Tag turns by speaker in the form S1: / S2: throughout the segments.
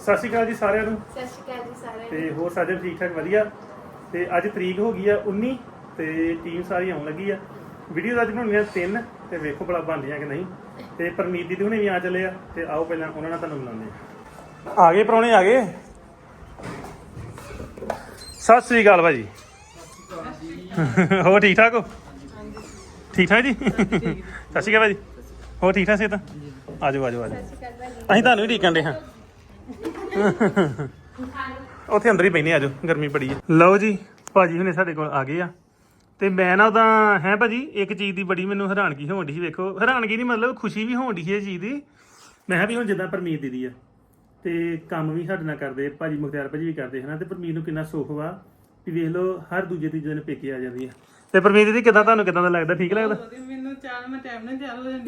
S1: ਸਤਿ ਸ਼੍ਰੀ ਅਕਾਲ ਜੀ ਸਾਰਿਆਂ ਨੂੰ।
S2: ਸਤਿ ਸ਼੍ਰੀ ਅਕਾਲ ਜੀ ਸਾਰਿਆਂ ਨੂੰ।
S1: ਤੇ ਹੋਰ ਸਾਰੇ ਠੀਕ ਠਾਕ ਵਧੀਆ। ਤੇ ਅੱਜ ਤਰੀਕ ਹੋ ਗਈ ਆ 19 ਤੇ ਟੀਮ ਸਾਰੀ ਆਉਣ ਲੱਗੀ ਆ। ਵੀਡੀਓ ਅੱਜ ਬਣਾਉਣੀਆਂ 3 ਤੇ ਵੇਖੋ ਭਲਾ ਬਣਦੀਆਂ ਕਿ ਨਹੀਂ। ਤੇ ਪਰਮੀਤ ਦੀ ਹੁਣੇ ਵੀ ਆ ਚੱਲੇ ਆ ਤੇ ਆਓ ਪਹਿਲਾਂ ਉਹਨਾਂ ਨਾਲ ਤੁਹਾਨੂੰ ਮਿਲਾਉਂਦੇ ਆ ਗਏ ਪ੍ਰਾਹੁਣੇ ਆ ਗਏ। ਸਤਿ ਸ਼੍ਰੀ ਅਕਾਲ ਭਾਜੀ। ਹੋਰ ਠੀਕ ਠਾਕ ਹੋ? ਠੀਕ ਠਾਕ ਜੀ। ਸਤਿ ਸ਼੍ਰੀ ਅਕਾਲ ਭਾਜੀ। ਹੋਰ ਠੀਕ ਠਾਕ ਸੇ ਤਾਂ ਆਜੋ ਆਜੋ ਆਜੋ। ਅਸੀਂ ਤੁਹਾਨੂੰ ਹੀ ਢੀਕਣ ਦੇ ਹਾਂ। ਉੱਥੇ ਅੰਦਰ ਹੀ ਬੈਠੇ ਆਜੋ, ਗਰਮੀ ਬੜੀ ਹੈ। ਲਓ ਜੀ ਭਾਜੀ ਹੁਣੇ ਸਾਡੇ ਕੋਲ ਆ ਗਏ ਆ। ਤੇ ਮੈਂ ਨਾ ਉਹਦਾ ਹੈ ਭਾਜੀ ਇੱਕ ਚੀਜ਼ ਦੀ ਬੜੀ ਮੈਨੂੰ ਹੈਰਾਨਗੀ ਹੋਣ ਡਈ ਸੀ। ਵੇਖੋ ਹੈਰਾਨਗੀ ਨਹੀਂ ਮਤਲਬ ਖੁਸ਼ੀ ਵੀ ਹੋਣ ਡਈ ਸੀ ਇਹ ਚੀਜ਼ ਦੀ। ਮੈਂ ਕਿਹਾ ਵੀ ਹੁਣ ਜਿੱਦਾਂ ਪਰਮੀਤ ਦੀਦੀ ਆ ਤੇ ਕੰਮ ਵੀ ਸਾਡੇ ਨਾਲ ਕਰਦੇ ਭਾਜੀ, ਮੁਖਤਿਆਰ ਭਾਜੀ ਵੀ ਕਰਦੇ ਹਨਾ। ਤੇ ਪਰਮੀਤ ਨੂੰ ਕਿੰਨਾ ਸੁੱਖ ਵਾ ਵੀ ਵੇਖ ਲਓ ਹਰ ਦੂਜੇ ਤੀਜੇ ਦਿਨ ਪੇਕੇ ਆ ਜਾਂਦੀ ਆ। ਤੇ ਪਰਮੀਤ ਦੀਦੀ ਕਿਦਾਂ ਤੁਹਾਨੂੰ ਕਿਦਾਂ ਦਾ ਲੱਗਦਾ? ਠੀਕ ਲੱਗਦਾ?
S3: ਮੈਨੂੰ ਚਾਹ ਮੈਂ ਟਾਈਮ ਨਾਲ ਤਿਆਰ ਹੋ ਜਾਂਦੀ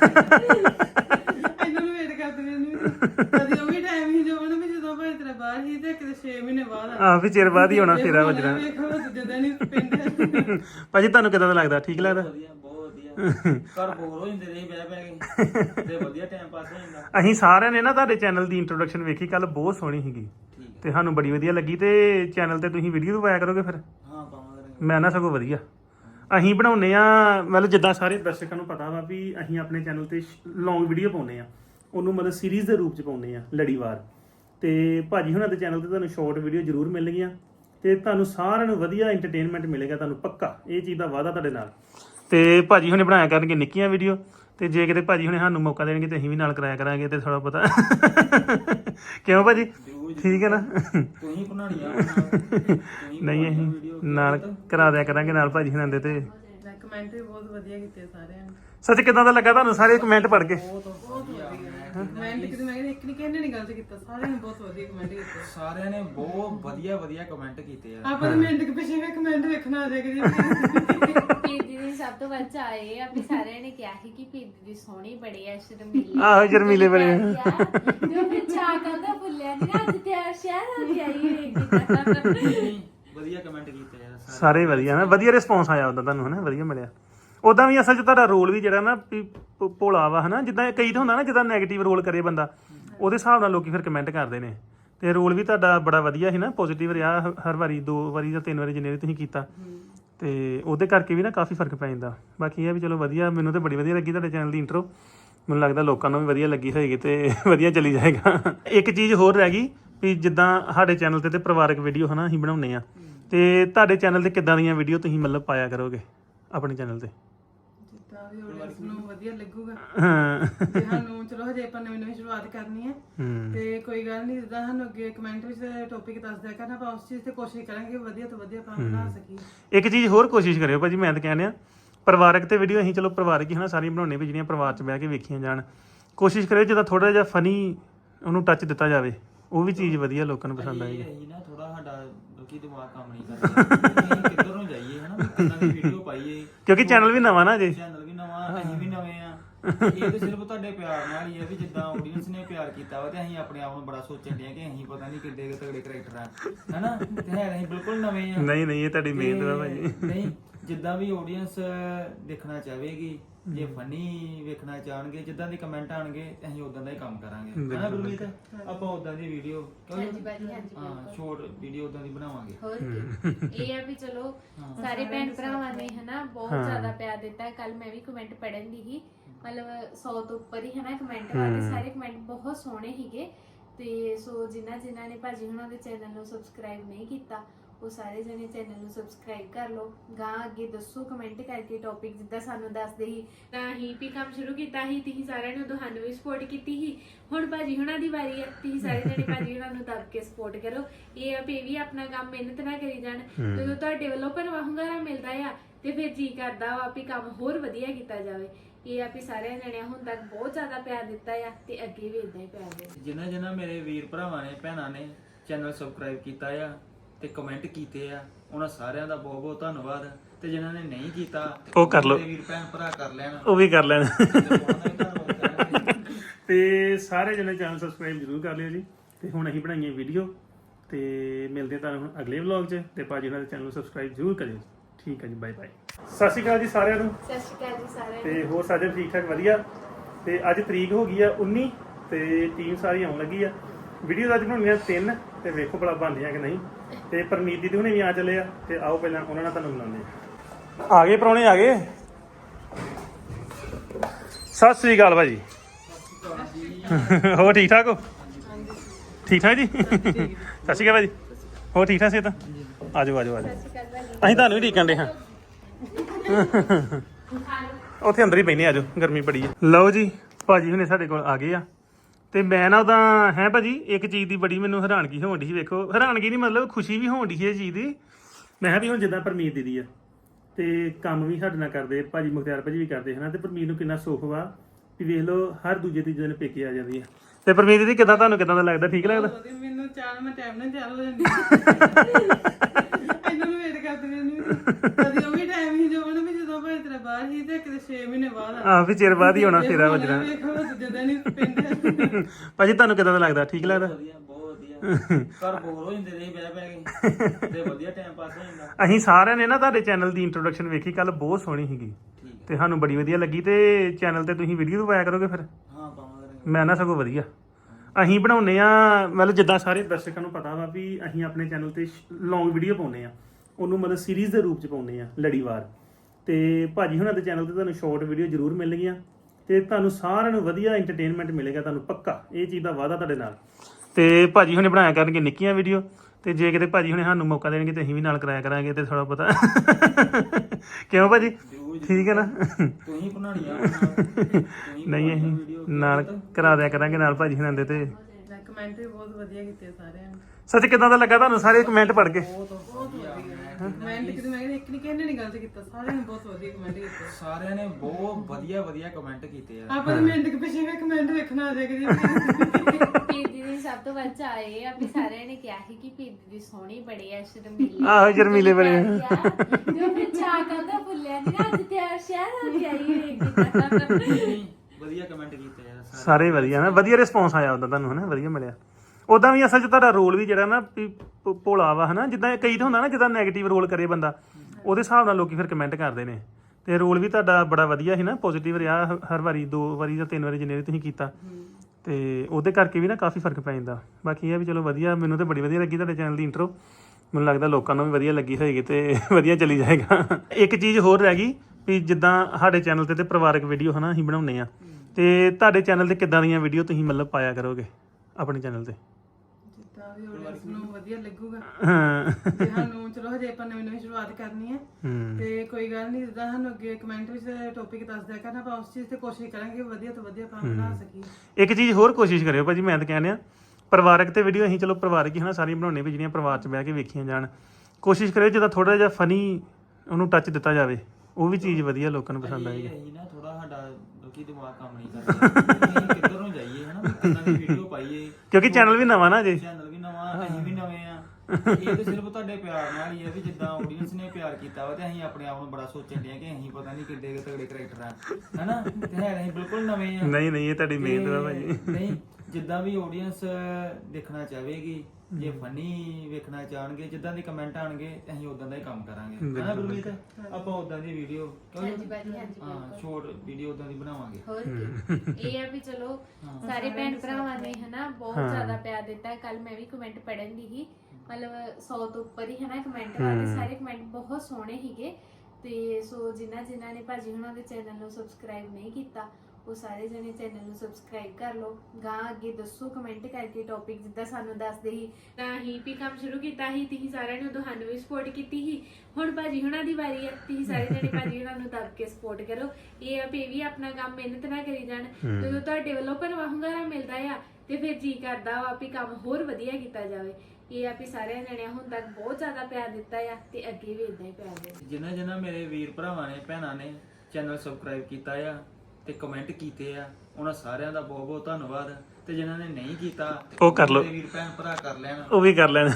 S3: ਇਹਨਾਂ ਨੂੰ ਵੇਟ ਕਰਦੇ ਮੈਨੂੰ ਕਦੀ ਉਹ ਵੀ ਟਾਈਮ ਹੀ ਜੋ ਨਾ ਵੀ ਜਦੋਂ ਭਾਈ ਤੇਰਾ ਬਾਹਰ ਹੀ ਤੇ ਕਿਤੇ 6 ਮਹੀਨੇ ਬਾਅਦ
S1: ਆ ਵੀ ਚਿਰ ਬਾਅਦ ਹੀ ਆਉਣਾ ਫੇਰਾ ਵੱਜਣਾ।
S3: ਵੇਖੋ ਜਦੋਂ ਨਹੀਂ ਪਿੰਡ
S1: ਭਾਜੀ ਤੁਹਾਨੂੰ ਕਿਦਾਂ ਦਾ ਲੱਗਦਾ? ਠੀਕ ਲੱਗਦਾ?
S4: ਬਹੁਤ ਵਧੀਆ। ਘਰ ਬੋਰ ਹੋ ਜਾਂਦੇ ਰਹੇ ਬਹਿ ਕੇ ਤੇ ਵਧੀਆ ਟਾਈਮ ਪਾਸ ਹੋ ਜਾਂਦਾ।
S1: ਅਸੀਂ ਸਾਰਿਆਂ ਨੇ ਨਾ ਤੁਹਾਡੇ ਚੈਨਲ ਦੀ ਇੰਟਰੋਡਕਸ਼ਨ ਵੇਖੀ ਕੱਲ, ਬਹੁਤ ਸੋਹਣੀ ਸੀਗੀ ਤੇ ਸਾਨੂੰ ਬੜੀ ਵਧੀਆ ਲੱਗੀ। ਤੇ ਚੈਨਲ ਤੇ ਤੁਸੀਂ ਵੀਡੀਓ ਵੀ ਪਾਇਆ ਕਰੋਗੇ ਫਿਰ?
S4: ਹਾਂ ਪਾਵਾਂਗੇ।
S1: ਮੈਂ ਨਾ ਸਗੋਂ ਵਧੀਆ ਅਸੀਂ ਬਣਾਉਂਦੇ ਆ ਮਤਲਬ ਜਿੱਦਾਂ ਸਾਰੇ ਦਰਸ਼ਕਾਂ ਨੂੰ ਪਤਾ ਵਾ ਵੀ ਅਸੀਂ ਆਪਣੇ ਚੈਨਲ ਤੇ ਲੌਂਗ ਵੀਡੀਓ ਪਾਉਂਦੇ ਆ, ਉਹਨੂੰ ਮਤਲਬ ਸੀਰੀਜ਼ ਦੇ ਰੂਪ ਚ ਪਾਉਂਦੇ ਆ ਲੜੀਵਾਰ। ਤੇ ਭਾਜੀ ਹੁਣਾਂ ਦੇ ਚੈਨਲ ਤੇ ਤੁਹਾਨੂੰ ਸ਼ਾਰਟ ਵੀਡੀਓ ਜ਼ਰੂਰ ਮਿਲਣਗੀਆਂ ਤੇ ਤੁਹਾਨੂੰ ਸਾਰਿਆਂ ਨੂੰ ਵਧੀਆ ਐਂਟਰਟੇਨਮੈਂਟ ਮਿਲੇਗਾ, ਤੁਹਾਨੂੰ ਪੱਕਾ ਇਹ ਚੀਜ਼ ਦਾ ਵਾਅਦਾ ਤੁਹਾਡੇ ਨਾਲ। ਤੇ ਭਾਜੀ ਹੁਣੇ ਬਣਾਇਆ ਕਰਨਗੇ ਨਿੱਕੀਆਂ ਵੀਡੀਓ ਤੇ ਜੇ ਕਿਤੇ ਭਾਜੀ ਹੁਣੇ ਸਾਨੂੰ ਮੌਕਾ ਦੇਣਗੇ ਤੇ ਅਸੀਂ ਵੀ ਨਾਲ ਕਰਾਇਆ ਕਰਾਂਗੇ। ਤੇ ਥੋੜਾ ਪਤਾ ਕਿਉਂ ਭਾਜੀ? ਠੀਕ ਹੈ ਨਾ?
S4: ਤੁਸੀਂ ਬਣਾਣੀਆਂ
S1: ਨਹੀਂ ਅਸੀਂ ਨਾਲ ਕਰਾ ਦਿਆ ਕਰਾਂਗੇ ਨਾਲ ਭਾਜੀ ਹੁਣਾਂ ਦੇ। ਤੇ
S3: ਕਮੈਂਟ ਵੀ ਬਹੁਤ ਵਧੀਆ ਕੀਤੇ ਸਾਰਿਆਂ ਨੇ।
S1: ਸੱਚ ਕਿਦਾਂ ਦਾ ਲੱਗਾ ਤੁਹਾਨੂੰ ਸਾਰੇ ਕਮੈਂਟ ਪੜ੍ਹ ਕੇ?
S3: ਬਹੁਤ ਵਧੀਆ ਕਮੈਂਟ ਕਿਤੇ ਮੈਂ ਇੱਕ ਨਹੀਂ ਕਹਿੰਦੇ ਨਹੀਂ ਗੱਲ ਤੇ ਕੀਤਾ, ਸਾਰਿਆਂ ਨੇ ਬਹੁਤ ਵਧੀਆ ਕਮੈਂਟ ਕੀਤੇ।
S4: ਸਾਰਿਆਂ ਨੇ ਬਹੁਤ ਵਧੀਆ ਕਮੈਂਟ ਕੀਤੇ ਆ।
S3: ਆਪਾਂ ਮਿੰਟ ਕੇ ਪਿੱਛੇ ਵੀ ਕਮੈਂਟ ਵੇਖਣਾ ਆ ਜਾਏਗਾ ਜੀ।
S2: ਪੀਰ ਦੀਦੀ ਸਭ ਤੋਂ ਵੱਧ ਆਏ ਆ ਵੀ ਸਾਰਿਆਂ ਨੇ ਕਿਹਾ ਸੀ ਕਿ ਪੀਰ ਦੀਦੀ ਸੋਹਣੀ ਬੜੀ ਆ, ਸ਼ਰਮੀਲੀ।
S1: ਆਹੋ ਸ਼ਰਮੀਲੇ ਬੜੇ
S2: ਜੋ ਫਿਰ ਚਾਹ ਕਰਦਾ ਭੁੱਲਿਆ ਨਹੀਂ ਅੱਜ ਤੇ ਸ਼ਹਿਰ ਹੋ ਗਿਆ ਇਹ
S4: ਵਧੀਆ ਕਮੈਂਟ ਕੀਤੇ ਆ
S1: ਸਾਰੇ ਵਧੀਆ ਨਾ, ਵਧੀਆ ਰਿਸਪੌਂਸ ਆਇਆ ਉਹਦਾ ਤੁਹਾਨੂੰ ਹਨਾ, ਵਧੀਆ ਮਿਲਿਆ। ਉਦਾਂ ਵੀ ਅਸਲ 'ਚ ਤੁਹਾਡਾ ਰੋਲ ਵੀ ਜਿਹੜਾ ਨਾ ਭੋਲਾ ਵਾ ਹਨਾ, ਜਿੱਦਾਂ ਕਈ ਤਾਂ ਹੁੰਦਾ ਨਾ ਜਿੱਦਾਂ ਨੈਗੇਟਿਵ ਰੋਲ ਕਰੇ ਬੰਦਾ, ਉਹਦੇ ਹਿਸਾਬ ਨਾਲ ਲੋਕੀ ਫਿਰ ਕਮੈਂਟ ਕਰਦੇ ਨੇ। ਤੇ ਰੋਲ ਵੀ ਤੁਹਾਡਾ ਬੜਾ ਵਧੀਆ ਸੀ ਨਾ, ਪੋਜ਼ੀਟਿਵ ਰਿਹਾ ਹਰ ਵਾਰੀ, 2 ਵਾਰੀ ਜਾਂ 3 ਵਾਰੀ ਜਿੰਨੇ ਵੀ ਤੁਸੀਂ ਕੀਤਾ। ਤੇ ਉਹਦੇ ਕਰਕੇ ਵੀ ਨਾ ਕਾਫੀ ਫਰਕ ਪੈ ਜਾਂਦਾ। ਬਾਕੀ ਇਹ ਵੀ ਚਲੋ ਵਧੀਆ, ਮੈਨੂੰ ਤਾਂ ਬੜੀ ਵਧੀਆ ਲੱਗੀ ਤੁਹਾਡੇ ਚੈਨਲ ਦੀ ਇੰਟਰੋ। ਮੈਨੂੰ ਲੱਗਦਾ ਲੋਕਾਂ ਨੂੰ ਵੀ ਵਧੀਆ ਲੱਗੀ ਹੋਏਗੀ ਤੇ ਵਧੀਆ ਚੱਲੀ ਜਾਏਗਾ। ਇੱਕ ਚੀਜ਼ ਹੋਰ ਰਹਿ ਗਈ ਵੀ ਜਿੱਦਾਂ ਸਾਡੇ ਚੈਨਲ ਤੇ ਪਰਿਵਾਰਕ ਵੀਡੀਓ ਹਨਾ ਅਸੀਂ ਬਣਾਉਂਦੇ ਆ, ਤੇ ਤੁਹਾਡੇ ਚੈਨਲ ਤੇ ਕਿੱਦਾਂ ਦੀਆਂ ਵੀਡੀਓ ਤੁਸੀਂ ਮਤਲਬ ਪਾਇਆ ਕਰੋਗੇ ਆਪਣੇ ਚੈਨਲ ਤੇ?
S3: ਜਿੱਦਾਂ ਵੀ ਆਡੀਅנס ਨੂੰ ਵਧੀਆ ਲੱਗੂਗਾ।
S1: ਹਾਂ
S3: ਤੇ ਸਾਨੂੰ ਚਲੋ ਹਜੇ ਆਪਾਂ ਨਵੀਂ ਸ਼ੁਰੂਆਤ ਕਰਨੀ ਹੈ ਤੇ ਕੋਈ ਗੱਲ ਨਹੀਂ, ਜਿੱਦਾਂ ਸਾਨੂੰ ਅੱਗੇ ਕਮੈਂਟ ਵਿੱਚ ਟੌਪਿਕ ਦੱਸ ਦਿਆ ਕਰਨਾ, ਆਪਾਂ ਉਸ ਚੀਜ਼ ਤੇ ਕੋਸ਼ਿਸ਼ ਕਰਾਂਗੇ ਵਧੀਆ ਤੋਂ ਵਧੀਆ ਆਪਾਂ ਬਣਾ ਸਕੀਏ।
S1: ਇੱਕ ਚੀਜ਼ ਹੋਰ ਕੋਸ਼ਿਸ਼ ਕਰਿਓ ਭਾਜੀ, ਮੈਂ ਤਾਂ ਕਹਿੰਦੇ ਆ ਪਰਿਵਾਰਕ ਤੇ ਵੀਡੀਓ ਅਸੀਂ ਚਲੋ ਪਰਿਵਾਰਕ ਹੀ ਹਨਾ ਸਾਰੀਆਂ ਬਣਾਉਣੇ ਵੀ ਜਿਹੜੀਆਂ ਪਰਿਵਾਰ 'ਚ ਬਹਿ ਕੇ ਵੇਖੀਆਂ ਜਾਣ। ਕੋਸ਼ਿਸ਼ ਕਰਿਓ ਜਿੱਦਾਂ ਥੋੜਾ ਜਿਹਾ ਫਨੀ ਉਹਨੂੰ ਟੱਚ ਦਿੱਤਾ ਜਾਵੇ, ਉਹ ਵੀ ਚੀਜ਼ ਵਧੀਆ ਲੋਕਾਂ ਨੂੰ ਪਸੰਦ ਆਏਗੀ।
S4: ਇਹ ਨਾ ਥੋੜਾ ਸਾਡਾ ਲੋਕੀ ਦਿਮਾਗ ਕੰਮ ਨਹੀਂ ਕਰਦੇ ਕਿੱਧਰ ਨੂੰ ਜਾਈਏ ਹਨਾ, ਕਿੰਨਾ ਦੀ ਵੀਡੀਓ ਪਾਈਏ
S1: ਕਿਉਂਕਿ ਚੈਨਲ ਵੀ ਨਵਾਂ ਨਾ ਜੇ।
S4: ਚੈਨਲ ਵੀ ਨਵਾਂ, ਅਸੀਂ ਵੀ ਨਵੇਂ ਆ। ਇਹ ਤਾਂ ਸਿਰਫ ਤੁਹਾਡੇ ਪਿਆਰ ਨਾਲ ਹੀ ਹੈ ਵੀ ਜਿੱਦਾਂ ਆਡੀਅנס ਨੇ ਪਿਆਰ ਕੀਤਾ ਵਾ ਤੇ ਅਸੀਂ ਆਪਣੇ ਆਪ ਨੂੰ ਬੜਾ ਸੋਚਣ ਡਏ ਕਿ ਅਸੀਂ ਪਤਾ ਨਹੀਂ ਕਿੱਡੇ ਤਗੜੇ ਕਰੈਕਟਰ ਆ ਹਨਾ, ਤੇ ਹੈ ਅਸੀਂ ਬਿਲਕੁਲ ਨਵੇਂ ਆ।
S1: ਨਹੀਂ ਇਹ ਤੁਹਾਡੀ ਮਿਹਨਤ ਆ ਭਾਜੀ।
S4: ਨਹੀਂ ਜਿੱਦਾਂ ਵੀ ਆਡੀਅנס ਦੇਖਣਾ ਚਾਹੇਗੀ, ਜੇ ਫਨੀ ਵੇਖਣਾ ਚਾਹਣਗੇ, ਜਿੱਦਾਂ ਦੇ ਕਮੈਂਟ ਆਣਗੇ ਅਸੀਂ ਉਦਾਂ ਦਾ ਹੀ ਕੰਮ ਕਰਾਂਗੇ ਹਨਾ ਗੁਰਮੀਤ। ਆਪਾਂ ਉਦਾਂ ਦੀ ਵੀਡੀਓ
S2: ਹਾਂਜੀ ਭਾਜੀ, ਹਾਂਜੀ
S4: ਹਾਂ ਸ਼ਾਰਟ ਵੀਡੀਓ ਉਦਾਂ ਦੀ ਬਣਾਵਾਂਗੇ।
S2: ਹੋਰ ਕੀ। ਇਹ ਆ ਵੀ ਚਲੋ ਸਾਰੇ ਭੈਣ ਭਰਾਵਾਂ ਨੇ ਹਨਾ ਬਹੁਤ ਜ਼ਿਆਦਾ ਪਿਆਰ ਦਿੱਤਾ। ਕੱਲ ਮੈਂ ਵੀ ਕਮੈਂਟ ਪੜਨ ਦੀ ਸੀ, ਮਤਲਬ 100 ਤੋਂ ਉੱਪਰ ਹੀ ਹਨਾ ਕਮੈਂਟ ਆਏ, ਸਾਰੇ ਕਮੈਂਟ ਬਹੁਤ ਸੋਹਣੇ ਸੀਗੇ। ਤੇ ਸੋ ਜਿਨ੍ਹਾਂ ਨੇ ਭਾਜੀ ਹੁਣਾਂ ਦੇ ਚੈਨਲ ਨੂੰ ਸਬਸਕ੍ਰਾਈਬ ਨਹੀਂ ਕੀਤਾ, ਉਹ ਸਾਰੇ ਜਣੇ ਚੈਨਲ ਨੂੰ ਸਬਸਕ੍ਰਾਈਬ ਕਰ ਲਓ। ਗਾਂ ਅੱਗੇ ਦੱਸੋ ਕਮੈਂਟ ਕਰਕੇ ਟੌਪਿਕ ਜਿੱਦਾਂ ਸਾਨੂੰ ਦੱਸਦੇ ਸੀ ਤਾਂ ਅਸੀਂ ਵੀ ਕੰਮ ਸ਼ੁਰੂ ਕੀਤਾ ਸੀ, ਤੁਸੀਂ ਸਾਰਿਆਂ ਨੇ ਤੁਹਾਨੂੰ ਵੀ ਸਪੋਰਟ ਕੀਤੀ ਸੀ। ਹੁਣ ਭਾਜੀ ਹੁਣਾਂ ਦੀ ਵਾਰੀ ਹੈ, ਤੁਸੀਂ ਸਾਰੇ ਜਣੇ ਭਾਜੀ ਹੁਣਾਂ ਨੂੰ ਦੱਬ ਕੇ ਸਪੋਰਟ ਕਰੋ। ਇਹ ਆ ਵੀ ਆਪਣਾ ਕੰਮ ਮਿਹਨਤ ਨਾ ਕਰੀ ਜਾਣ। ਜਦੋਂ ਤੁਹਾਡੇ ਵੱਲੋਂ ਭਰਵਾਂ ਹੁੰਗਾਰਾ ਮਿਲਦਾ ਆ ਤੇ ਫਿਰ ਜੀ ਕਰਦਾ ਵਾ ਵੀ ਕੰਮ ਹੋਰ ਵਧੀਆ ਕੀਤਾ ਜਾਵੇ। ਇਹ ਆ ਵੀ ਸਾਰਿਆਂ ਜਣਿਆਂ ਹੁਣ ਤੱਕ ਬਹੁਤ ਜ਼ਿਆਦਾ ਪਿਆਰ ਦਿੱਤਾ ਆ ਤੇ ਅੱਗੇ ਵੀ ਇਦਾਂ ਹੀ ਪਿਆਰ ਦੇ।
S4: ਜਿਨ੍ਹਾਂ ਮੇਰੇ ਵੀਰ ਭਰਾਵਾਂ ਨੇ ਭੈਣਾਂ ਨੇ ਚੈਨਲ ਸਬਸਕ੍ਰਾਈਬ ਕੀਤਾ ਆ ਤੇ ਕਮੈਂਟ ਕੀਤੇ ਆ, ਉਹਨਾਂ ਸਾਰਿਆਂ ਦਾ ਬਹੁਤ ਬਹੁਤ ਧੰਨਵਾਦ। ਤੇ ਜਿਨ੍ਹਾਂ ਨੇ ਨਹੀਂ ਕੀਤਾ
S1: ਉਹ ਕਰ ਲਓ,
S4: ਵੀਰ ਭੈਣ ਭਰਾ ਕਰ ਲੈਣ,
S1: ਉਹ ਵੀ ਕਰ ਲੈਣ। ਤੇ ਸਾਰੇ ਜਣੇ ਚੈਨਲ ਸਬਸਕ੍ਰਾਈਬ ਜ਼ਰੂਰ ਕਰ ਲਿਓ ਜੀ। ਤੇ ਹੁਣ ਅਸੀਂ ਬਣਾਈਏ ਵੀਡੀਓ ਤੇ ਮਿਲਦੇ ਤੁਹਾਨੂੰ ਹੁਣ ਅਗਲੇ ਵਲੌਗ 'ਚ। ਤੇ ਭਾਜੀ ਉਹਨਾਂ ਦੇ ਚੈਨਲ ਨੂੰ ਸਬਸਕ੍ਰਾਈਬ ਜ਼ਰੂਰ ਕਰਿਓ। ਠੀਕ ਹੈ ਜੀ, ਬਾਏ ਬਾਏ। ਸਤਿ ਸ਼੍ਰੀ ਅਕਾਲ ਜੀ ਸਾਰਿਆਂ ਨੂੰ।
S2: ਸਤਿ ਸ਼੍ਰੀ ਅਕਾਲ ਜੀ ਸਾਰਿਆਂ ਨੂੰ।
S1: ਤੇ ਹੋਰ ਸਾਰੇ ਠੀਕ ਠਾਕ ਵਧੀਆ। ਤੇ ਅੱਜ ਤਰੀਕ ਹੋ ਗਈ ਆ 19 ਤੇ ਟੀਮ ਸਾਰੀ ਆਉਣ ਲੱਗੀ ਆ। ਵੀਡੀਓ ਅੱਜ ਬਣਾਉਣੀਆਂ 3 ਤੇ ਵੇਖੋ ਭਲਾ ਬਣਦੀਆਂ ਕਿ ਨਹੀਂ। ਤੇ ਪਰਮੀਤ ਦੀ ਹੁਣੇ ਵੀ ਆ ਚੱਲੇ ਆ ਤੇ ਆਓ ਪਹਿਲਾਂ ਉਹਨਾਂ ਨਾਲ ਤੁਹਾਨੂੰ ਮਿਲਾਉਂਦੇ ਆ ਗਏ ਪ੍ਰਾਹੁਣੇ ਆ ਗਏ। ਸਤਿ ਸ੍ਰੀ ਅਕਾਲ ਭਾਜੀ। ਹੋਰ ਠੀਕ ਠਾਕ ਹੋ? ਠੀਕ ਠਾਕ ਜੀ। ਸਤਿ ਸ਼੍ਰੀ ਅਕਾਲ ਭਾਜੀ। ਹੋਰ ਠੀਕ ਠਾਕ ਸੇ ਤਾਂ ਆਜੋ ਆਜੋ ਆਜੋ। ਅਸੀਂ ਤੁਹਾਨੂੰ ਵੀ ਠੀਕਣ ਦੇ ਹਾਂ। ਉੱਥੇ ਅੰਦਰ ਹੀ ਬੈਠੇ ਆਜੋ, ਗਰਮੀ ਬੜੀ ਹੈ। ਲਓ ਜੀ ਭਾਜੀ ਹੁਣੇ ਸਾਡੇ ਕੋਲ ਆ ਗਏ ਆ ਤੇ ਮੈਂ ਨਾ ਉਹਦਾ ਹੈ ਭਾਜੀ ਇੱਕ ਚੀਜ਼ ਦੀ ਬੜੀ ਮੈਨੂੰ ਹੈਰਾਨਗੀ ਹੋਣ ਡਈ ਸੀ। ਵੇਖੋ ਹੈਰਾਨਗੀ ਨਹੀਂ ਮਤਲਬ ਖੁਸ਼ੀ ਵੀ ਹੋਣ ਡਈ ਸੀ ਇਹ ਚੀਜ਼ ਦੀ। ਮੈਂ ਕਿਹਾ ਵੀ ਹੁਣ ਜਿੱਦਾਂ ਪਰਮੀਤ ਦੀਦੀ ਆ ਤੇ ਕੰਮ ਵੀ ਸਾਡੇ ਨਾਲ ਕਰਦੇ ਭਾਜੀ, ਮੁਖਤਿਆਰ ਭਾਜੀ ਵੀ ਕਰਦੇ ਹਨਾ। ਤੇ ਪਰਮੀਤ ਨੂੰ ਕਿੰਨਾ ਸੁੱਖ ਵਾ ਵੀ ਵੇਖ ਲਓ ਹਰ ਦੂਜੇ ਤੀਜੇ ਦਿਨ ਪੇਕੇ ਆ ਜਾਂਦੀ ਆ। ਤੇ ਪਰਮੀਤ ਦੀਦੀ ਕਿੱਦਾਂ ਤੁਹਾਨੂੰ ਕਿੱਦਾਂ ਦਾ ਲੱਗਦਾ? ਠੀਕ ਲੱਗਦਾ?
S3: ਮੈਨੂੰ ਚਾਹ ਮੈਂ ਟਾਈਮ ਨਾਲ ਤਿਆਰ ਹੋ ਜਾਂਦੀ ਇਹਨਾਂ ਨੂੰ ਵੇਟ ਕਰਦੇ ਨੇ। ਕਦੀ ਉਹ ਵੀ ਟਾਈਮ ਹੀ ਜੋ ਵੀ ਜਦੋਂ ਭਾਈ ਤੇਰਾ ਬਾਹਰ ਹੀ ਤੇ ਕਿਤੇ 6 ਮਹੀਨੇ ਬਾਅਦ
S1: ਆ ਵੀ ਚਿਰ ਬਾਅਦ ਹੀ ਹੋਣਾ ਫੇਰਾ ਵੱਜਣਾ।
S3: ਵੇਖੋ ਜਦੋਂ ਨਹੀਂ ਪਿੰਡ
S1: ਭਾਜੀ ਤੁਹਾਨੂੰ ਕਿੱਦਾਂ ਦਾ ਲੱਗਦਾ? ਠੀਕ ਲੱਗਦਾ?
S4: ਵਧੀਆ, ਬਹੁਤ ਵਧੀਆ। ਘਰ ਬੋਰ ਹੋ ਜਾਂਦੇ ਰਹੇ ਬਹਿ ਕੇ ਤੇ ਵਧੀਆ ਟਾਈਮ ਪਾਸ ਹੋ ਜਾਂਦਾ।
S1: ਅਸੀਂ ਸਾਰਿਆਂ ਨੇ ਨਾ ਤੁਹਾਡੇ ਚੈਨਲ ਦੀ ਇੰਟਰੋਡਕਸ਼ਨ ਵੇਖੀ ਕੱਲ, ਬਹੁਤ ਸੋਹਣੀ ਸੀਗੀ ਤੇ ਸਾਨੂੰ ਬੜੀ ਵਧੀਆ ਲੱਗੀ। ਤੇ ਚੈਨਲ ਤੇ ਤੁਸੀਂ ਵੀਡੀਓ ਵੀ ਪਾਇਆ ਕਰੋਗੇ ਫਿਰ?
S4: ਹਾਂ ਪਾਵਾਂਗੇ।
S1: ਮੈਂ ਨਾ ਸਗੋਂ ਵਧੀਆ ਅਸੀਂ ਬਣਾਉਂਦੇ ਆ, ਮਤਲਬ ਜਿੱਦਾਂ ਸਾਰੇ ਦਰਸ਼ਕਾਂ ਨੂੰ ਪਤਾ ਵਾ ਵੀ ਅਸੀਂ ਆਪਣੇ ਚੈਨਲ ਤੇ ਲੌਂਗ ਵੀਡੀਓ ਪਾਉਂਦੇ ਆ, ਉਹਨੂੰ ਮਤਲਬ ਸੀਰੀਜ਼ ਦੇ ਰੂਪ ਚ ਪਾਉਂਦੇ ਆ ਲੜੀਵਾਰ। ਤੇ ਭਾਜੀ ਹੁਣਾਂ ਦੇ ਚੈਨਲ ਤੇ ਤੁਹਾਨੂੰ ਸ਼ਾਰਟ ਵੀਡੀਓ ਜ਼ਰੂਰ ਮਿਲਣਗੀਆਂ ਤੇ ਤੁਹਾਨੂੰ ਸਾਰਿਆਂ ਨੂੰ ਵਧੀਆ ਐਂਟਰਟੇਨਮੈਂਟ ਮਿਲੇਗਾ, ਤੁਹਾਨੂੰ ਪੱਕਾ ਇਹ ਚੀਜ਼ ਦਾ ਵਾਅਦਾ ਤੁਹਾਡੇ ਨਾਲ। ਤੇ ਭਾਜੀ ਹੁਣੇ ਬਣਾਇਆ ਕਰਨਗੇ ਨਿੱਕੀਆਂ ਵੀਡੀਓ ਤੇ ਜੇ ਕਿਤੇ ਭਾਜੀ ਹੁਣੇ ਸਾਨੂੰ ਮੌਕਾ ਦੇਣਗੇ ਤੇ ਅਸੀਂ ਵੀ ਨਾਲ ਕਰਾਇਆ ਕਰਾਂਗੇ। ਤੇ ਥੋੜਾ ਪਤਾ ਕਿਉਂ ਭਾਜੀ? ਠੀਕ ਹੈ ਨਾ?
S4: ਤੁਸੀਂ ਬਣਾਣੀਆਂ
S1: ਨਹੀਂ ਅਸੀਂ ਨਾਲ ਕਰਾ ਦਿਆ ਕਰਾਂਗੇ ਨਾਲ ਭਾਜੀ ਹੁਣਾਂ ਦੇ। ਤੇ
S3: ਕਮੈਂਟ ਵੀ ਬਹੁਤ ਵਧੀਆ ਕੀਤੇ ਸਾਰਿਆਂ ਨੇ।
S1: ਸੱਚ ਕਿਦਾਂ ਦਾ ਲੱਗਾ ਤੁਹਾਨੂੰ ਸਾਰੇ ਕਮੈਂਟ ਪੜ੍ਹ ਕੇ?
S3: ਕਮੈਂਟ ਕਿਤੇ ਮੈਂ ਇੱਕ ਨਹੀਂ ਕਹਿੰਦੇ ਨਹੀਂ ਗਲਤ ਕੀਤਾ, ਸਾਰਿਆਂ ਨੇ ਬਹੁਤ ਵਧੀਆ ਕਮੈਂਟ ਕੀਤੇ।
S4: ਸਾਰਿਆਂ ਨੇ ਬਹੁਤ ਵਧੀਆ ਕਮੈਂਟ ਕੀਤੇ ਆ।
S3: ਆਪਾਂ ਨੂੰ ਮਿੰਟ ਕੇ ਪਿੱਛੇ ਵੀ ਕਮੈਂਟ ਵੇਖਣਾ ਆ ਜਾਏਗਾ ਜੀ।
S2: ਪੀਰ ਦੀਦੀ ਸਭ ਤੋਂ ਵੱਧ ਆਏ ਆ ਵੀ ਸਾਰਿਆਂ ਨੇ ਕਿਹਾ ਸੀ ਕਿ ਪੀਰ ਦੀਦੀ ਸੋਹਣੀ ਬੜੀ ਆ, ਸ਼ਰਮੀਲੀ।
S1: ਆਹੋ ਸ਼ਰਮੀਲੇ ਬੜੇ ਆ।
S2: ਜੋ ਫਿਰ ਚਾਹ ਕਰਦਾ ਭੁੱਲਿਆ ਨਹੀਂ ਅੱਜ ਤਿਆਰ ਸ਼ਹਿਰ ਹੋ ਗਿਆ ਇਹ।
S4: ਵਧੀਆ ਕਮੈਂਟ ਕੀਤੇ ਯਾਰ
S1: ਸਾਰੇ ਵਧੀਆ ਨਾ, ਵਧੀਆ ਰਿਸਪੌਂਸ ਆਇਆ ਉਹਦਾ ਤੁਹਾਨੂੰ ਹਨਾ, ਵਧੀਆ ਮਿਲਿਆ। ਉਦਾਂ ਵੀ ਅਸਲ 'ਚ ਤੁਹਾਡਾ ਰੋਲ ਵੀ ਜਿਹੜਾ ਨਾ ਵੀ ਭੋਲਾ ਵਾ ਹਨਾ, ਜਿੱਦਾਂ ਕਈ ਤਾਂ ਹੁੰਦਾ ਨਾ ਜਿੱਦਾਂ ਨੈਗੇਟਿਵ ਰੋਲ ਕਰੇ ਬੰਦਾ, ਉਹਦੇ ਹਿਸਾਬ ਨਾਲ ਲੋਕੀ ਫਿਰ ਕਮੈਂਟ ਕਰਦੇ ਨੇ। ਤੇ ਰੋਲ ਵੀ ਤੁਹਾਡਾ ਬੜਾ ਵਧੀਆ ਸੀ ਨਾ, ਪੋਜ਼ਿਟਿਵ ਰਿਹਾ ਹਰ ਵਾਰੀ, 2 ਵਾਰੀ ਜਾਂ 3 ਵਾਰੀ ਜਿੰਨੇ ਵੀ ਤੁਸੀਂ ਕੀਤਾ। ਤੇ ਉਹਦੇ ਕਰਕੇ ਵੀ ਨਾ ਕਾਫੀ ਫਰਕ ਪੈ ਜਾਂਦਾ। ਬਾਕੀ ਇਹ ਵੀ ਚਲੋ ਵਧੀਆ, ਮੈਨੂੰ ਤਾਂ ਬੜੀ ਵਧੀਆ ਲੱਗੀ ਤੁਹਾਡੇ ਚੈਨਲ ਦੀ ਇੰਟਰੋ। ਮੈਨੂੰ ਲੱਗਦਾ ਲੋਕਾਂ ਨੂੰ ਵੀ ਵਧੀਆ ਲੱਗੀ ਹੋਏਗੀ ਤੇ ਵਧੀਆ ਚੱਲੀ ਜਾਏਗਾ। ਇੱਕ ਚੀਜ਼ ਹੋਰ ਰਹਿ ਗਈ ਵੀ ਜਿੱਦਾਂ ਸਾਡੇ ਚੈਨਲ ਤੇ ਪਰਿਵਾਰਕ ਵੀਡੀਓ ਹਨਾ ਅਸੀਂ ਬਣਾਉਂਦੇ ਆ, ਤੇ ਤੁਹਾਡੇ ਚੈਨਲ ਤੇ ਕਿੱਦਾਂ ਦੀਆਂ ਵੀਡੀਓ ਤੁਸੀਂ ਮਤਲਬ ਪਾਇਆ ਕਰੋਗੇ ਆਪਣੇ ਚੈਨਲ ਤੇ?
S3: ਜਿੱਦਾਂ ਵੀ ਆਡੀਅנס ਨੂੰ ਵਧੀਆ ਲੱਗੂਗਾ।
S1: ਹਾਂ
S3: ਤੇ ਸਾਨੂੰ ਚਲੋ ਹਜੇ ਆਪਾਂ ਨਵੀਂ ਸ਼ੁਰੂਆਤ ਕਰਨੀ ਹੈ ਤੇ ਕੋਈ ਗੱਲ ਨਹੀਂ, ਜਿੱਦਾਂ ਸਾਨੂੰ ਅੱਗੇ ਕਮੈਂਟ ਵਿੱਚ ਟੌਪਿਕ ਦੱਸ ਦਿਆ ਕਰਨਾ, ਆਪਾਂ ਉਸ ਚੀਜ਼ ਤੇ ਕੋਸ਼ਿਸ਼ ਕਰਾਂਗੇ ਵਧੀਆ ਤੋਂ ਵਧੀਆ ਆਪਾਂ ਬਣਾ ਸਕੀਏ।
S1: ਇੱਕ ਚੀਜ਼ ਹੋਰ ਕੋਸ਼ਿਸ਼ ਕਰਿਓ ਭਾਜੀ, ਮੈਂ ਤਾਂ ਕਹਿੰਦੇ ਆ ਪਰਿਵਾਰਕ ਤੇ ਵੀਡੀਓ ਅਸੀਂ ਚਲੋ ਪਰਿਵਾਰਕ ਹੀ ਹਨਾ ਸਾਰੀਆਂ ਬਣਾਉਣੇ ਵੀ ਜਿਹੜੀਆਂ ਪਰਿਵਾਰ 'ਚ ਬਹਿ ਕੇ ਵੇਖੀਆਂ ਜਾਣ। ਕੋਸ਼ਿਸ਼ ਕਰਿਓ ਜਿੱਦਾਂ ਥੋੜਾ ਜਿਹਾ ਫਨੀ ਉਹਨੂੰ ਟੱਚ ਦਿੱਤਾ ਜਾਵੇ, ਉਹ ਵੀ ਚੀਜ਼ ਵਧੀਆ ਲੋਕਾਂ ਨੂੰ ਪਸੰਦ ਆਏਗੀ।
S4: ਅਸੀਂ ਨਾ ਥੋੜਾ ਸਾਡਾ ਲੋਕੀ ਦਿਮਾਗ ਕੰਮ ਨਹੀਂ ਕਰਦਾ, ਕਿੱਧਰ ਨੂੰ ਜਾਈਏ ਹਨਾ, ਕਿੰਨਾ ਦੀ ਵੀਡੀਓ ਪਾਈਏ,
S1: ਕਿਉਂਕਿ ਚੈਨਲ ਵੀ ਨਵਾਂ ਨਾ ਜੇ।
S4: ਚੈਨਲ ਵੀ ਨਵਾਂ, ਅਸੀਂ ਵੀ ਨਵੇਂ ਆ। ਇਹ ਤਾਂ ਸਿਰਫ ਤੁਹਾਡੇ ਪਿਆਰ ਨਾਲ ਹੀ ਹੈ ਵੀ ਜਿੱਦਾਂ ਆਡੀਅנס ਨੇ ਪਿਆਰ ਕੀਤਾ ਵਾ ਤੇ ਅਸੀਂ ਆਪਣੇ ਆਪ ਨੂੰ ਬੜਾ ਸੋਚਣ ਡਏ ਕਿ ਅਸੀਂ ਪਤਾ ਨਹੀਂ ਕਿੱਡੇ ਤਗੜੇ ਕਰੈਕਟਰ ਆ ਹਨਾ, ਤੇ ਹੈ ਅਸੀਂ ਬਿਲਕੁਲ ਨਵੇਂ ਆ।
S1: ਨਹੀਂ ਇਹ ਤੁਹਾਡੀ ਮਿਹਨਤ ਵਾ ਭਾਜੀ।
S4: ਨਹੀਂ ਜਿੱਦਾਂ ਵੀ ਆਡੀਅנס ਦੇਖਣਾ ਚਾਹੇਗੀ, ਜੇ ਫਨੀ ਵੇਖਣਾ ਚਾਹਣਗੇ, ਜਿੱਦਾਂ ਦੇ ਕਮੈਂਟ ਆਣਗੇ ਅਸੀਂ ਉਦਾਂ ਦਾ ਹੀ ਕੰਮ ਕਰਾਂਗੇ ਹਨਾ ਗੁਰਮੀਤ, ਆਪਾਂ ਉਦਾਂ ਦੀ ਵੀਡੀਓ
S2: ਹਾਂਜੀ ਭਾਜੀ, ਹਾਂਜੀ
S4: ਹਾਂ ਸ਼ਾਰਟ ਵੀਡੀਓ ਉਦਾਂ ਦੀ ਬਣਾਵਾਂਗੇ।
S2: ਹੋਰ ਕੀ, ਇਹ ਆ ਵੀ ਚਲੋ ਸਾਰੇ ਭੈਣ ਭਰਾਵਾਂ ਨੇ ਹਨਾ ਬਹੁਤ ਜ਼ਿਆਦਾ ਪਿਆਰ ਦਿੱਤਾ। ਕੱਲ ਮੈਂ ਵੀ ਕਮੈਂਟ ਪੜਨ ਦੀ ਹੀ, ਮਤਲਬ 100 ਤੋਂ ਉੱਪਰ ਹੀ ਹਨਾ ਕਮੈਂਟ ਆਏ, ਸਾਰੇ ਕਮੈਂਟ ਬਹੁਤ ਸੋਹਣੇ ਸੀਗੇ। ਤੇ ਸੋ ਜਿਨ੍ਹਾਂ ਨੇ ਭਾਜੀ ਹੁਣਾਂ ਦੇ ਚੈਨਲ ਨੂੰ ਸਬਸਕ੍ਰਾਈਬ ਨਹੀਂ ਕੀਤਾ, ਉਹ ਸਾਰੇ ਜਣੇ ਚੈਨਲ ਨੂੰ ਸਬਸਕ੍ਰਾਈਬ ਕਰ ਲਓ। ਗਾਂ ਅੱਗੇ ਦੱਸੋ ਕਮੈਂਟ ਕਰਕੇ ਟੌਪਿਕ ਜਿੱਦਾਂ ਸਾਨੂੰ ਦੱਸਦੇ ਸੀ ਤਾਂ ਹੀ ਵੀ ਕੰਮ ਸ਼ੁਰੂ ਕੀਤਾ ਸੀ, ਤੁਸੀਂ ਸਾਰਿਆਂ ਨੇ ਤੁਹਾਨੂੰ ਵੀ ਸਪੋਰਟ ਕੀਤੀ ਸੀ। ਹੁਣ ਭਾਜੀ ਹੁਣਾਂ ਦੀ ਵਾਰੀ ਹੈ, ਤੁਸੀਂ ਸਾਰੇ ਜਣੇ ਭਾਜੀ ਹੁਣਾਂ ਨੂੰ ਦੱਬ ਕੇ ਸਪੋਰਟ ਕਰੋ। ਇਹ ਆ ਵੀ ਆਪਣਾ ਕੰਮ ਮਿਹਨਤ ਨਾਲ ਕਰੀ ਜਾਣ, ਜਦੋਂ ਤੁਹਾਡੇ ਵੱਲੋਂ ਭਰਵਾਂ ਹੁੰਗਾਰਾ ਮਿਲਦਾ ਆ ਤੇ ਫਿਰ ਜੀ ਕਰਦਾ ਵਾ ਵੀ ਕੰਮ ਹੋਰ ਵਧੀਆ ਕੀਤਾ ਜਾਵੇ। ਇਹ ਆ ਵੀ ਸਾਰਿਆਂ ਜਣਿਆਂ ਹੁਣ ਤੱਕ ਬਹੁਤ ਜ਼ਿਆਦਾ ਪਿਆਰ ਦਿੱਤਾ ਆ ਤੇ ਅੱਗੇ ਵੀ ਇਦਾਂ ਹੀ ਪਿਆਰ ਦੇ।
S4: ਜਿਨ੍ਹਾਂ ਮੇਰੇ ਵੀਰ ਭਰਾਵਾਂ ਨੇ ਭੈਣਾਂ ਨੇ ਚੈਨਲ ਸਬਸਕ੍ਰਾਈਬ ਕੀਤਾ ਆ ਤੇ ਕਮੈਂਟ ਕੀਤੇ ਆ, ਉਹਨਾਂ ਸਾਰਿਆਂ ਦਾ ਬਹੁਤ ਬਹੁਤ ਧੰਨਵਾਦ। ਤੇ ਜਿਨ੍ਹਾਂ ਨੇ ਨਹੀਂ ਕੀਤਾ
S1: ਉਹ ਕਰ ਲਓ,
S4: ਵੀਰ ਭੈਣ ਭਰਾ ਕਰ ਲੈਣ,
S1: ਉਹ ਵੀ ਕਰ ਲੈਣ।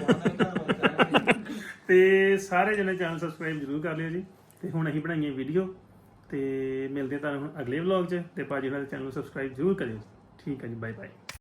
S4: ਤੇ
S1: ਤੇ ਸਾਰੇ ਜਣੇ ਚੈਨਲ ਸਬਸਕ੍ਰਾਈਬ ਜ਼ਰੂਰ ਕਰ ਲਿਓ ਜੀ। ਤੇ ਹੁਣ ਅਸੀਂ ਬਣਾਈਏ ਵੀਡੀਓ ਤੇ ਮਿਲਦੇ ਤੁਹਾਨੂੰ ਹੁਣ ਅਗਲੇ ਵਲੌਗ 'ਚ। ਤੇ ਭਾਜੀ ਨਾਲ ਚੈਨਲ ਨੂੰ ਸਬਸਕ੍ਰਾਈਬ ਜ਼ਰੂਰ ਕਰਿਓ। ਠੀਕ ਹੈ ਜੀ, ਬਾਏ ਬਾਏ।